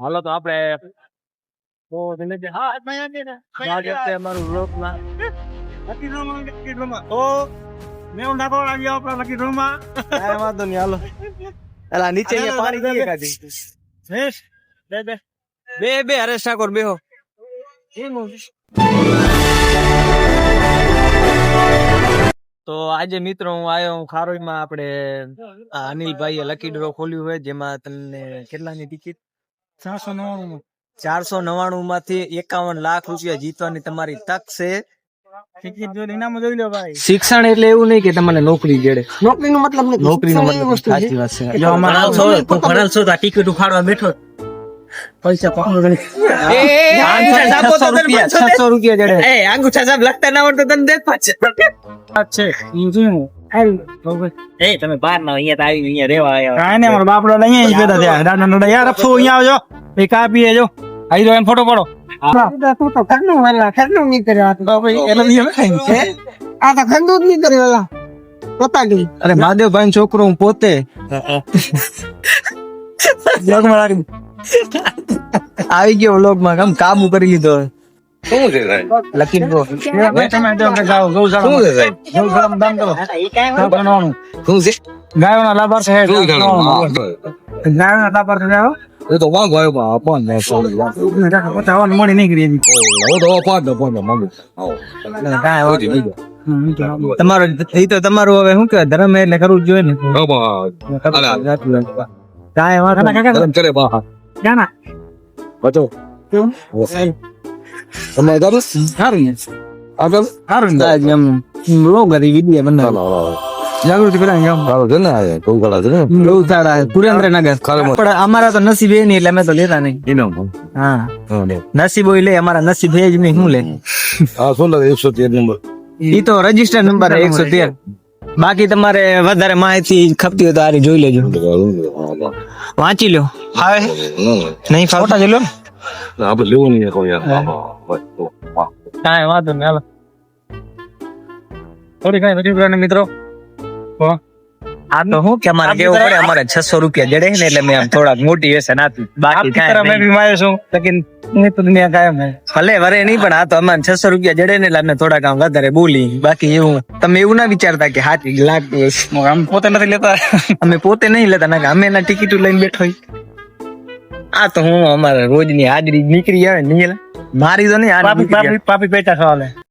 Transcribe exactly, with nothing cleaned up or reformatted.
હાલો તો આપણે તો ધીમે ધીમે હા અમારું વ્લોગમાં લકી ડ્રોમાં લકી ડ્રોમાં તો મેં હું નાખવા આવી આપણા લકી ડ્રોમાં કાંઈ વાંધો નહીં હાલો એલા નીચે અહીંયા પાણી પીએ કાઢી શેષ બે બે બે બે હરેશ ઠાકોર બેહો તો આજે મિત્રો હું આવ્યો હું ખારોઈમાં આપણે આ અનિલભાઈએ લકી ડ્રો ખોલ્યું હોય જેમાં તમને કેટલાની ટિકિટ ચારસો નવ્વાણું ચારસો નવ્વાણું માંથી એકાવન લાખ રૂપિયા જીતવાની તમારી તક છે. ટિકિટ જો ઇનામ જોઈ લો ભાઈ. શિક્ષણ એટલે એવું નહીં કે તમને નોકરી જડે, નોકરીનો મતલબ નથી, નોકરીનો શિક્ષણ મતલબ એવી વસ્તુ છે. સાચી વાત છે. જો અમારા તું ભણેલ છો તો આ ટિકિટ ઉખાડવા બેઠો પૈસા પાકો ગણી છસો રૂપિયા જડે. એ અંગૂઠા સાહેબ લખતા ના આવડતો તને દેખ પાછે છે ઈ જોયું એ તમે બહાર ના અહીંયા તો આવી અહીંયા રેવા આવ્યા. કાંઈ નહીં અમારા બાપડો અહીંયા જ બેઠા થયા દાદા નડા યાર અફસો અહીંયા આવજો એ કા પીએ જો આવી જો એમ ફોટો પાડો તું તો ઘરનું વેલા ઘરનું નહીં કર્યો આ તો. એટલે નિયમ ખાઈ આ તો ઘરનું જ નહીં કર્યું વેલા પોતાની. અરે મહાદેવભાઈ છોકરો હું પોતે બ્લોગમાં રાખી આવી ગયો વ્લોગ માં કામ કાબુ કરી લીધો. શું છે સાહેબ? લકી ડ્રો તમે જો કે ગાવ ગૌશાળા શું છે સાહેબ? ગૌશાળામાં દાન કરો કરવાનું શું છે? ગાયોના લાભાર્થ છે શું જાણો? ગાયોના લાભાર્થ છે એ તો વાંધો આવ્યો પણ આપણ ને સોળ પચાવન મળી નહીં કરી એની હું તો પાંચ પાંચ માંગુ આવો તમારો એ તો તમારું હવે શું કે ધર્મ એટલે કરવું જ જોઈએ ને. કાંઈ વાંધો નહીં. કરે બા ક્યાં બચો તમે કરું સારું ને આગળ સારું ને આજ એમ વ્લોગ હતી વિડીયો બનાવ જાગૃતિ પેલા એમ સારું છે ને આ કઉ કળા છે ને બહુ સારા સુરેન્દ્રનગર ખરેખર. પણ અમારા તો નસીબ એ નહીં એટલે અમે તો લેતા નહીં. ઇનામ હા હા ને નસીબ હોય લે, અમારા નસીબ એ જ નહીં. શું લે આ શું લાગે એકસો તેર નંબર ઈ તો રજીસ્ટર નંબર એકસો તેર. બાકી તમારે વધારે માહિતી ખપતી હોય તો આરી જોઈ લેજો, વાંચી લો. હા નહીં ફોટા જોઈ લો. આપડે લેવું નહીં કહો યાર. કાંઈ વાંધો નહીં હાલો. થોડી કઈ નથી મિત્રો આ તો હું કે અમારે કેવું પડે, અમારે છસો રૂપિયા જડે ને એટલે મેં આમ થોડાક મોટિવેશન આપ્યું. બાકી કાંઈ મેં નહીં. બી માર્યો છું લેકિન હું તો દુનિયા કાયમ હે ભલે વરે નહીં પણ આ તો અમારે છસો રૂપિયા જડે ને એટલે અમે થોડાક આમ વધારે બોલી. બાકી એવું તમે એવું ના વિચારતા કે હાથી લાગતું હશે. આમ પોતે નથી લેતા અમે પોતે નહીં લેતા ના કે અમે એના ટિકિટો લઈને બેઠો હોય. આ તો હું અમારે રોજની હાજરી નીકળી આવે નહીં મારી તો નહીં હાજરી પાપી નીકળી આવે. પાપી પાપી પેટા સવાલે